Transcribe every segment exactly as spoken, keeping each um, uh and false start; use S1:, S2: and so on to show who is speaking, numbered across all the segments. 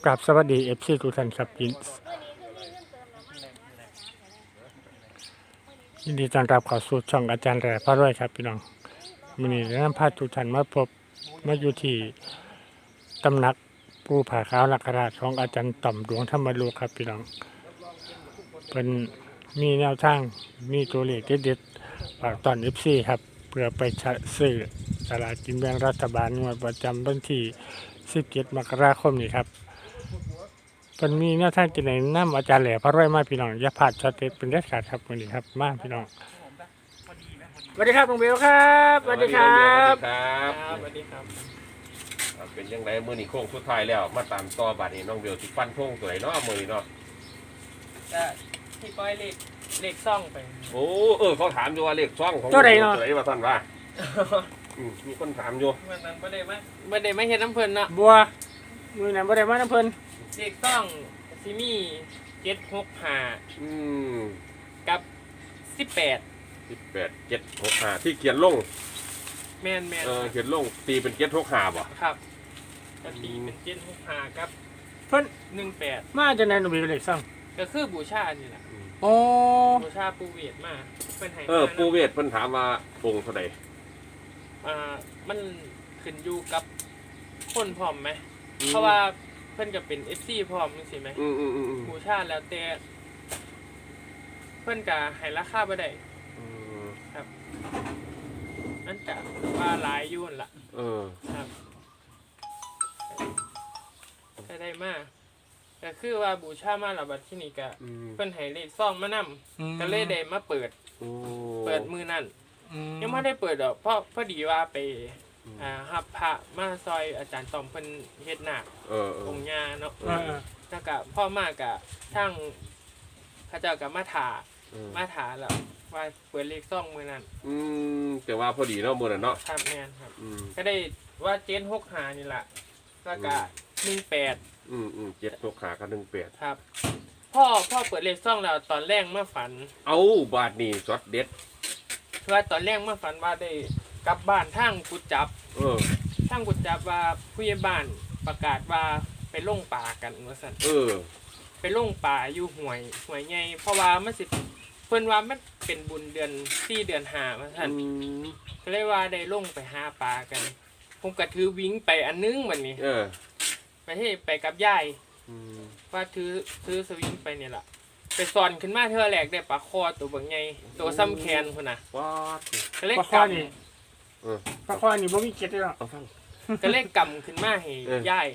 S1: กราบสวัสดีเอฟซีทุกท่านครับยินยินดีต้อนรับเข้าสู่ช่องอาจารย์แหล่พระรวยครับพี่น้องวันนี้นำพาทุกท่านมาพบมาอยู่ที่ตำหนักปูผาขาวนักราชของอาจารย์ต่อมดวงธรรมลูกครับพี่น้องเป็นมีแนวทางมีตัวเลขเด็ดๆฝากตอนเอฟซีครับเพื่อไปซื้อสลากกินแบ่งรัฐบาลงวดประจำวันที่สิบเจ็ดมกราคมนี้ครับเป็นมีแนวทางจะไหนน้ำอาจารย์แหล่พระรวยมาพี่น้องอย่าพลาดช็อตเด็ดเป็นเด็ดขาดครับวันนี้ครับมาพี่น้องสวัสดีครับลุงเบลครับสวัสดีครับ
S2: ครับสวัสดีครับเป็นยังไงมือนี่โค้งสุดท้ายแล้วมาตามต่อบัดนี้น้องเบลที่ฟันโค้งตัวไหนเนาะมือนี่เนาะ
S3: จะที่ปล่อยเลขเลขซ่องไป
S2: โอ้เออเขาถามอยู่ว่าเลขซ่องของตัวไหนเนาะตัวไหนว่าท่านว่ามีคนถามอยู่
S3: เมื่อนั้นไม่ได้มาไม่ได้มาเห็นน้ำเพลินเนาะ
S1: บัวมือนั้นไม่ได้มาน้ำเพลิน
S3: เลขซ่องซิมี่เจ็ดหกห้า
S2: อืม
S3: กับสิบแปด
S2: สิบแปดเจ็ดหกห้าที่เขียนลง
S3: แมนแมน
S2: เออเขียนลงตีเป็นเจ็ดหกห้าบ่
S3: ครับจะตีเป็นเจ็ดหกห้ากับ
S1: เพิ่น
S3: หนึ่งแปด
S1: มาจะไหนหนูมีเลขซ่อง
S3: ก็คือบูชานี่แหละ
S1: โอ้
S3: บูชาปูเวทมาเป็นไห้
S2: เออปูเวทเพิ่นถามว่าองค์เท่าไหร่
S3: อ่ามันขึ้นอยู่กับคนพร้อมไหมเพราะว่าเพิ่นก็เป็นเอฟซีพร้อมนี่สิไหม
S2: อืมอืมอืม
S3: บูชาแล้วแต่เพิ่นก็ให้ราคาบ่ได้ครับนั่นจะว่าหลายยุ่นละ
S2: เออ
S3: ครับได้ได้มากแต่คือว่าบูชามาแล้วบัดที่นี่ก็เพิ่นให้เลขซ่องมานำก็เลยได้มาเปิดเปิดมือนั่นยังไม่ได้เปิดดอกเพราะพอดีว่าไปอ่าฮับพระมาซอยอาจารย์ตอมเพิ่นเฮ็ดหนักองค์ญาเนาะแล้วก็พ่อมากะทั้งพระเจ้ากับมาถามาถาแล้วว่าเปิดเลขซ่องมือนั่น
S2: อืมแต่ว่าพอดีเนาะมือนั่นเนาะ
S3: ครับแม่นครับก็ได้ว่าเจ็ดหกห้านี่แหละแล้วก็หนึ่งแปด
S2: อืมอืมเจ็ดหกห้ากับหนึ่งแปด
S3: ครับพ่อพ่อเปิดเลขซ่องแล้วตอนแรกเมื่อฝัน
S2: เอาบาทนี่ช็อตเด็ด
S3: ว่าตอนแรกเมื่อฝันว่าได้กลับบ้านทางกุดจับ
S2: เออ
S3: ทางกุดจับว่าผู้ใหญ่บ้านประกาศว่าไปล่งป่ากันว่าซั่น
S2: เออ
S3: ไปล่งป่าอยู่ห้วยห้วยใหญ่เพราะว่ามันสิเพิ่นว่ามันเป็นบุญเดือนสี่เดือนห้าว่าซั่นก็เลยว่าได้ล่งไปหาปลากันผมก็ถือวิ่งไปอันนึงบัดนี้
S2: เออ
S3: ไปให้ไปกับยายว่าถือถือสวิงไปเนี่ยล่ะไปสอนขึ้นมาเธอแหลกได้ปลาคอตัวบางไงตัวซ้ำแคนคนน่ะ
S2: ว้า
S3: ก็เลย
S1: กำนี่ปลาคอนี่บ่มีเกล็ดเลยหรอ
S3: ก็เลยกำขึ้นมาให้ยาย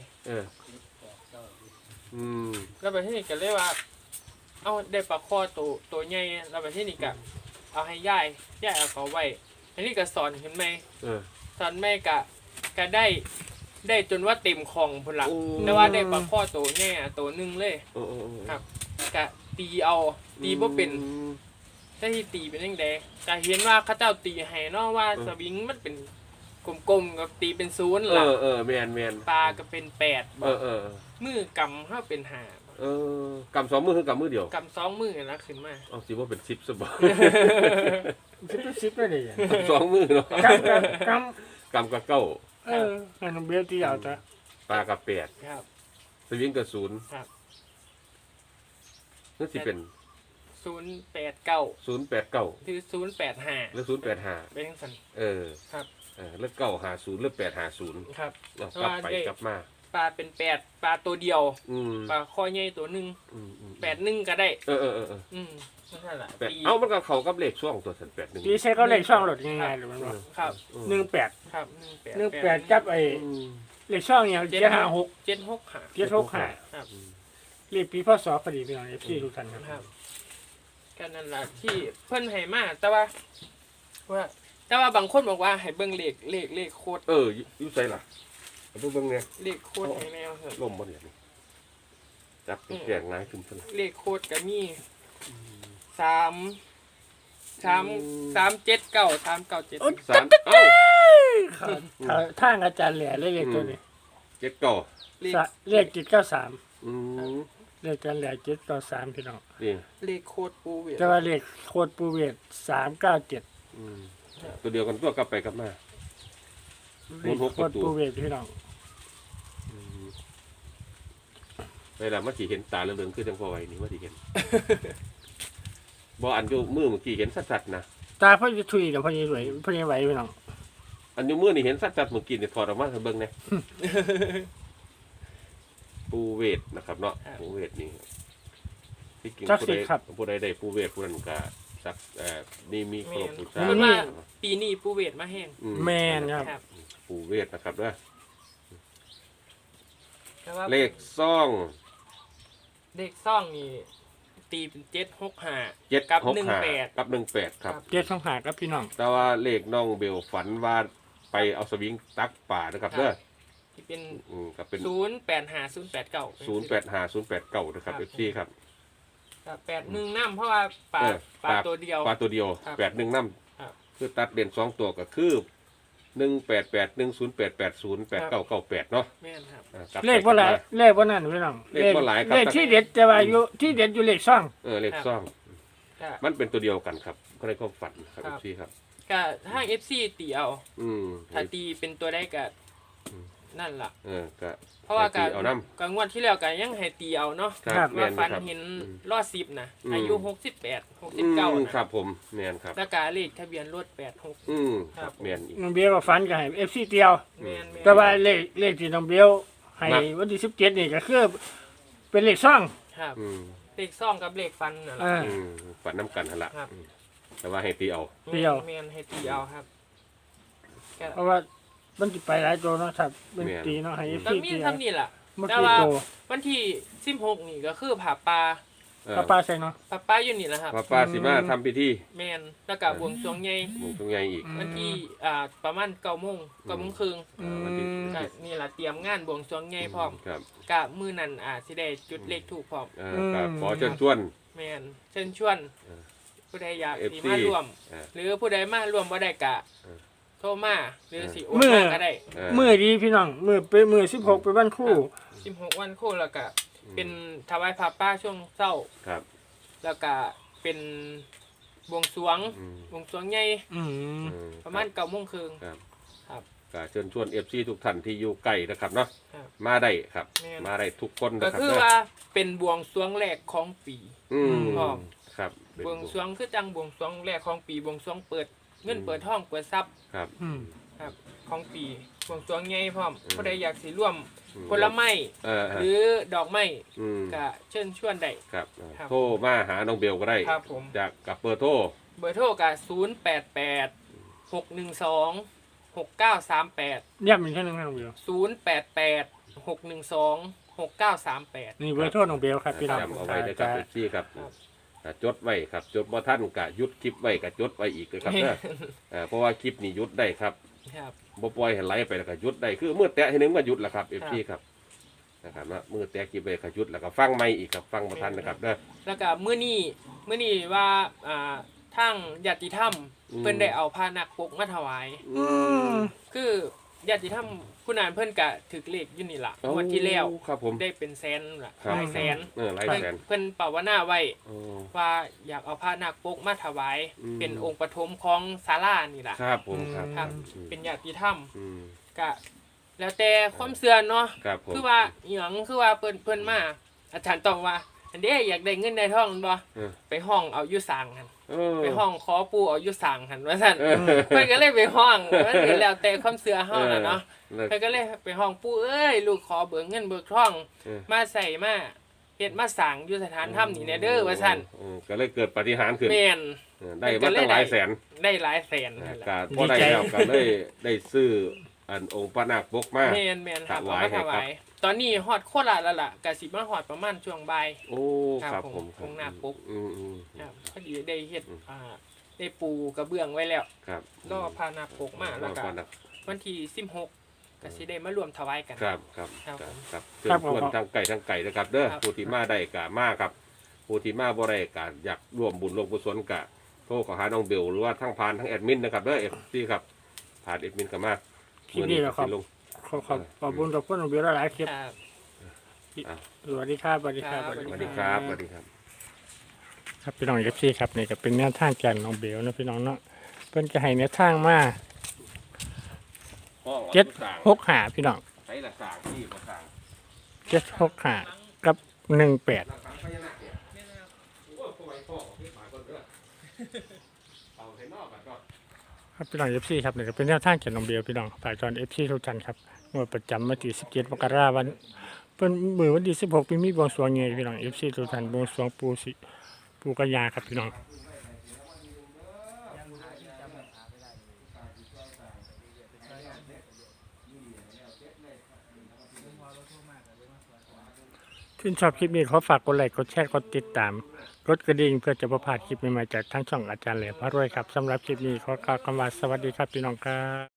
S3: แล้วไปที่นี่ก็เลยว่าเอาได้ปลาคอตัวตัวใหญ่แล้วไปที่นี่ก็เอาให้ยายยายเอาเขาไว้อันนี้ก็สอนขึ้นมาสอนแม่ก็ก็ได้ได้จนว่าเต็มคลองพุ่นละแต่ว่าได้ปลาคอตัวใหญ่ตัวนึงเลยครับกะตีเอาตีบ่เป็นแต่ที่ตีเป็นยังไงแต่เห็นว่าเขาเจ้าตีให้เนาะว่าสวิงมันเป็นกลมๆกับตีเป็นศูนย์ล่ะ
S2: เออเออแมนแมน
S3: ปลาก็เป็นแปด
S2: เออเออ
S3: มือกำเขาเป็นห้า
S2: เออกำสองมือคือกำมือเดียว
S3: กำสองมือนะขึ้นมา
S2: เอาสิว่าเป็นสิบสบาย
S1: สิบสิบไม่ได้
S2: สองมือเนาะ
S1: กำก
S2: ำกำกับเก้า
S1: เอออันนั้นเบี้ยที่ยาวจ้ะ
S2: ปลากับแปด
S3: ครับ
S2: สวิงกับศูนย์
S3: ครับ
S2: นั่นสิเป็น
S3: ศูนย์แปดเก้า
S2: ศูนย์แปดเก้า
S3: คือศูนย์แปดห้า
S2: หรือศูนย์แปดห้า
S3: เป็นสัน
S2: เออ
S3: ครับ
S2: เออแล้วเก้าหาศูนย์หรือแปดหาศูนย์
S3: ครับ
S2: กลับไปกลับมา
S3: ปลาเป็นแปดปลาตัวเดียวปลาคอใหญ่ตัวหนึ่งแปดหนึ่งก็ได้
S2: เออเออเออ
S3: อืมนั่นแหละ
S2: เอามันก็เขากับเลขช่วงตัวสันแปดหนึ่ง
S1: ปีใช้เขาเลขช่องหลดง่ายๆหรือมันว่า
S3: ครับ
S1: หนึ่งแปด
S3: ครับหนึ่งแปด
S1: หนึ่งแปดจับไอ้เลขช่องเนี่ยเจ็ดห้าหก
S3: เจ็ดหกห้า
S1: เจ็ดหกห้า
S3: ครับ
S1: เรียกปีพศพอดีพี่น้องเอฟซีทุกท่าน
S3: ครับกันนั่นแหละที่เพิ่นให้มาแต่ว่าว่าแต่ว่าบางคนบอกว่าให้เบิ่งเลขเลขเลขโคตร
S2: เอออยู่ไสล่ะเอาเบิ่งเนี่ย
S3: เลขโคตรให้แนวเถอะ
S2: ล่มบ่เนี่ยจับแจงง่ายขึ้นซั่น
S3: เลขโคตรก็มีสามสามสามเจ็ดเก้าสามเก้าเจ็ด
S2: สามเอ้า
S1: ทางอาจารย์แหล่เลขตัวนี้
S2: เจ็ดเก้า
S1: เลขเจ็ดเก้าสามเลขกันแหล่เจ็ดเก้าสามพี่น้อง
S3: เลขโคตรปูเวท
S1: แต่ว่าเลขโคตรปูเวทสามเก้าเจ็ด
S2: ตัวเดียวกันตัวกลับไปกลับมา
S1: โคตรปูเวทพี่น้อง
S2: เวลามันสิเห็นตาเหลืองๆคือจังพอไว้นี่มันสิเห็น บ่อันอยู่มือเมื่อกี้เห็นชัดๆนะ
S1: ตาพ่อจะถุยกับพ่อจะสวยพ่อจะไหวพี่น้อง
S2: อันอยู่มือนี่เห็นชัดๆเมื่อกี้นี่ถอดออกมาให้เบิ่งแหน่ ปูเวทนะครับเนาะปูเวทนี่ที่จริงผู้ใดผู้ใดได้ปูเวทผู้นั้นก็สักเอ่อนี่มีครบบูชา
S3: เพราะว่าปีนี้ปูเวทมาแห้ง
S2: อื
S1: แม่นครับ
S3: ครับ
S2: ปูเวทนะครับเด้อ
S3: แต่ว่า
S2: เลขซ่อง
S3: เลขซ่องนี่ตีเป็นเจ็ดหกห้า
S2: เจ็ด
S3: กับ
S2: หก
S3: หนึ่ง
S2: ห้า
S3: แปด
S2: กับหนึ่งแปดครับ
S1: เจ็ดสองหาครับพี่น้อง
S2: แต่ว่าเลขน้องเบลฝันว่าไปเอาสวิงตักป่านะครับเด้อ
S3: ที่เป็น
S2: อืมก็เป็น
S3: ศูนย์แปดห้าศูนย์แปดเก้า
S2: ศูนย์แปดห้าศูนย์แปดเก้านะครับเอฟซีครับ
S3: แปดหนึ่งน้ำเพราะว่าปลา
S2: เออ
S3: ปลาตัวเดียว
S2: ปลาตัวเดียว
S3: ครับ
S2: แปดหนึ่งน้
S3: ครับ
S2: ำคือตัดเด่นสองตัวก็คือหนึ่งแปดแปดหนึ่งศูนย์แปดแปดศูนย์แปดเก้าเก้าแปดเนาะ
S3: แม่นครับ
S2: อ่ากบไป
S1: เลขว่าหลาย
S2: กบม
S1: เลขว่านั่นพี่น้อง
S2: เลขบ่หลายครับ
S1: เลขที่เด็ดแต่ว่าอยู่ที่เด็ดอยู่เลขซ่อง
S2: เออเลขซ่อง
S3: ก็
S2: มันเป็นตัวเดียวกันครับก็ในความฝันครับ
S3: ครั
S2: เอบ ฟซีครับ
S3: ก็ถ้าเอฟซีตีเอา
S2: อืม
S3: ถ้าตีเป็นตัวได้ก็
S2: อืม
S3: นั่นล่ะ
S2: เออก็
S3: เพราะว่าการ
S2: ให้ตีเอาน้ำ
S3: การงวดที่แล้วก็ยังให้ตีเอาเนาะ
S2: ครับแม่
S3: ว่าน ฟัน
S2: ครับ
S3: เห็น
S2: อืม
S3: รอดสิบนะ
S2: อืม
S3: อายุหกสิบแปดหกสิบ
S2: อื
S3: เก้าม นะครับ
S2: ผมแมนครับ
S3: แล้วก็เลขทะเบียนรถแปดหก
S2: อืมค
S3: ครั
S2: รับบ แมนอีก
S1: น้องเบี้ยก็ฝันกับให้เอฟซีเตียว
S3: แม่นม่น
S1: แต่ว่าเลขเลขที่น้องเบี้ยให้
S2: ครับ
S1: วันที่สิบเจ็ดนี่ก็คือเป็นเลขซ่อง
S3: ครับ
S2: อืม
S3: เลขซ่องกับเลขฟันน่ะ
S1: เอ
S3: ล่ะ
S1: อ
S2: อืมฝันน้ำกันหั่นละ
S3: ครับ
S2: อืมแต่ว่าให้ตีเอา
S1: เดียว
S3: แม่นให้ตีเอาครับก็
S1: เพราะว่ามันจะไปหลายตัวเนาะครับเป็นตีเนาะให้เอฟ
S3: ก็
S1: ซี
S3: มี
S1: เตียว
S3: เท่านี้ล่ะ
S1: เมื่อ
S3: แต่
S1: กี้
S3: ว่า
S1: โต
S3: วันที่สิบหกนี่ก็คือผ่าปลา
S2: เออ
S1: ป้าป้าใส่เนาะ
S3: ผ่าปลาอยู่นี่แหละครับ
S2: ป้าป้าสิมาทำพิธี
S3: แม่นแล้วก็บวงสรวงใหญ่
S2: หมู่ตรงไงอีก
S1: อืม
S3: วันที่อ่าประมาณเก้าโมงเก้าโมงครึ่ง
S1: อืม
S2: วันที่
S3: ก็นี่ล่ะเตรียมงานบวงสรวงใหญ่พร้อม
S2: ครับ
S3: กะมื้อนั้นอ่าสิได้จุดเลขถูกพร้อม
S2: เออก็ขอเชิญชวน
S3: แม่นเชิญชวน
S2: เออ
S3: ผู้ใดอยาก
S2: เอฟ
S3: สิ
S2: ซี
S3: มาร่วม
S2: เออ
S3: หรือผู้ใดมาร่วมบ่ได้กะ
S2: เออ
S3: โทรมาหรือสิโอน
S1: มื้อ
S3: มาก็ได้
S2: เออ
S1: มือดีพี่น้องมือเป็นมือสิบหกเป็นวันครู่
S3: สิบหกวันโคแล้วก็เป็นถวายผ้าป่าช่วงเช้า
S2: ครับ
S3: แล้วก็เป็นบวงสรวง
S2: อืม
S3: บวงสรวงใหญ่
S1: อืม
S2: เออ
S3: ประมาณเก้าโมงครึ่ง
S2: ครับ
S3: ครับ
S2: ก็เชิญชวนเอฟซีทุกท่านที่อยู่ใกล้นะครับเนาะ
S3: ครับ
S2: มาได้ครับ
S3: แม่น
S2: มาได้ทุกคน
S3: ก็
S2: นะครับ
S3: คือ
S2: เด้อ
S3: ว่าเป็นบวงสรวงแรกของปี
S2: อืม
S3: พร้อม
S2: ครับเป็น
S3: บวงสรวงคือจังบวงสรวงแรกของปีบวงสรวงเปิดเงินเปิดห้องเปิดทรัพย์
S2: ครับ
S1: อืม
S3: ครับของปีบวงสรวงใหญ่พร้อม
S2: อืม
S3: ผู้ใดอยากสิร่วม
S2: อืม
S3: ผลไม้
S2: เออ
S3: หรือดอกไม้
S2: อืม
S3: ก็เชิญชวนได้
S2: ครับเออ
S3: ครับ
S2: โทรมาหาน้องเบลก็ได้
S3: ครับผม
S2: จากกับเบอร์โทร
S3: เบอร์โทรก็ศูนย์แปดแปดหกหนึ่งสองหกเก้าสามแปด
S1: ย้ำอีกแค่นึงนะน้องเบี้ย
S3: ศูนย์แปดแปดหกหนึ่งสองหกเก้าสามแปด
S1: นี่เบอร์โทรน้องเบี้ยครับพี่น้อง
S2: จำเอาไว้เลยครับเอฟซีครับ
S3: ครับ
S2: อ่าจดไว้ครับจดบ่ท่านกะยุดคลิปไว้กะจดไว้อีกเลยครับเด้ออ่าเพราะว่าคลิปนี้ยุดได้ครับ
S3: ครับ
S2: บ่ปล่อยให้ไหลไปแล้วก็หยุดได้คือมือแตะให้หนึงก็หยุดแล้วครับ
S3: ครั
S2: เอบ ฟซีครับนะครับว่ามือแตะกี่ไปก็หยุดแล้วก็ฟังไม่อีกครับฟังบ่ทันนะครับเด้อ
S3: แล้วก็มื้อนี้มื้อนี้ว่าอ่าทางญาติธรรม
S2: อืม
S3: เพิ่นได้เอาผ้านักปกมาถวาย
S2: อืม
S3: คือญาติธรรมผู้นั้นเพิ่นก็ถึกเลขอยู่นี่ล่ะงวดที่แล้ว
S2: ครับผม
S3: ได้เป็นแสนล่ะ
S2: ครับ
S3: หลายแสน
S2: เออหลาย
S3: เพิ่น
S2: แสน
S3: เพิ่นภาวนาไว้
S2: โอ้
S3: ว่าอยากเอาผ้านักปกมาถวาย
S2: อืม
S3: เป็นองค์ปฐมของศาลานี่ล่ะ
S2: ครับผมครับ
S3: ครับ
S2: อืม
S3: เป็นญาติธรรม
S2: อืม
S3: ก็แล้วแต่ความเชื่อเนาะ
S2: ครับผม
S3: คือว่าอหยังคือว่าเพิ่นเพิ่นมาอาจารย์ต้องว่า อันเด้อยากได้เงินได้ทองบ่
S2: เออ
S3: ไปห้องเอาอยู่สร้างหั่น
S2: เออ
S3: ไปห้องขอปู่เอาอยู่สร้างหั่นว่าซั่น
S2: เออ
S3: เพิ่นก็เลยไปห้องมันก็แล้วแต่ความเชื่อเฮาน่ะเนาะ
S2: เออ
S3: เพิ่นก็เลยไปห้องปู่เอ้ยลูกขอเบิกเงินเบิกทอง
S2: เออ
S3: มาใส่มาเฮ็ดมาสร้างอยู่สถานธรรมนี่แน่เด้อว่าซั่น
S2: เออก็เลยเกิดปาฏิหารย์ขึ้น
S3: แม่น
S2: เออได้มาตั้งหลายแสน
S3: ได้หลายแสน
S2: นะ
S3: นั่นแหละ
S2: ก็พอได้แล้วก็เลยได้ซื้ออันองค์พระนาคปกมา
S3: แม่นแม่นครับ
S2: ถวาย
S3: เอามาถ
S2: ให้ครับ
S3: วายตอนนี้ฮอดโคราชแล้วล่ะก็สิมาฮอดประมาณช่วงบ่าย
S2: โอ้
S3: ครับ
S2: ครับ
S3: ผม
S2: ผมครั
S3: องค์นาคปก
S2: อืมอืม
S3: ครับพอดีได้เฮ็ด
S2: อืม
S3: อ่าได้ปูกระเบื้องไว้แล้ว
S2: ครับ
S3: รอพานาปกมาแล้วก็
S2: รอพานาค
S3: วันที่สิบหกก็สิได้มารวมถวายกัน
S2: ครับครับ
S3: ครับ
S2: ครับ
S3: ผม
S2: ครับเชิญชวนทางไก่ทางไก่นะครับเด้อ
S3: ครับ
S2: ผู้ที่มาได้กะมาครับผู้ที่มาบ่ได้กะอยากร่วมบุญร่วมกุศลกะโทรขอหาน้องเบลหรือว่าทั้งผ่านทั้งแอดมินนะครับเด้อเอฟซีครับผ่านแอดมินก็มา
S1: คลิปนี้แหละครับ
S2: มื้อนี้ก็สิลง
S1: ขอขอบขอบคุณขอบคุณน้องเบี้ยหลายๆคลิป
S3: ครับ
S1: สวัสดีครับสวัสดีครับ
S3: ครับ
S2: สวัสดีครับสวัสดีครับ
S1: ครับพี่น้องเอฟซีครับนี่ก็เป็นแนวทางจากน้องเบลนะพี่น้องเนาะเพิ่นก็ให้แนวทางมาเจ็ดหกหาพี่น้อง
S2: ใช้ละสางที่บ่สาง
S1: เจ็ดหกหากับหนึ่งแปด
S2: หลักฐานพญานาคเนี่ยโอ้ยพ่อไอ้พ่อพี่หมายคนเด้อเอาให้นอกกันก็
S1: ครับพี่น้องเอฟซีครับนี่ก็เป็นแนวทางเขียนนมเบียวพี่น้องฝากจอนเอฟซีทุกท่านครับงวดประจำวันที่สิบเจ็ดมกราคมวันเป็นมือวันที่สิบหกปีมีบวงสรวงไงพี่น้องเอฟซีทุกท่านบวงสรวงปูสิปูกัญญาครับพี่น้องชื่นชอบคลิปนี้ขอฝากกดไลค์กดแชร์กดติดตามกดกระดิ่งเพื่อจะประพลาดคลิปใหม่ๆจากทั้งช่องอาจารย์แหลมพระรวยครับสำหรับคลิปนี้ขอกล่าวคำว่าสวัสดีครับพี่น้องครับ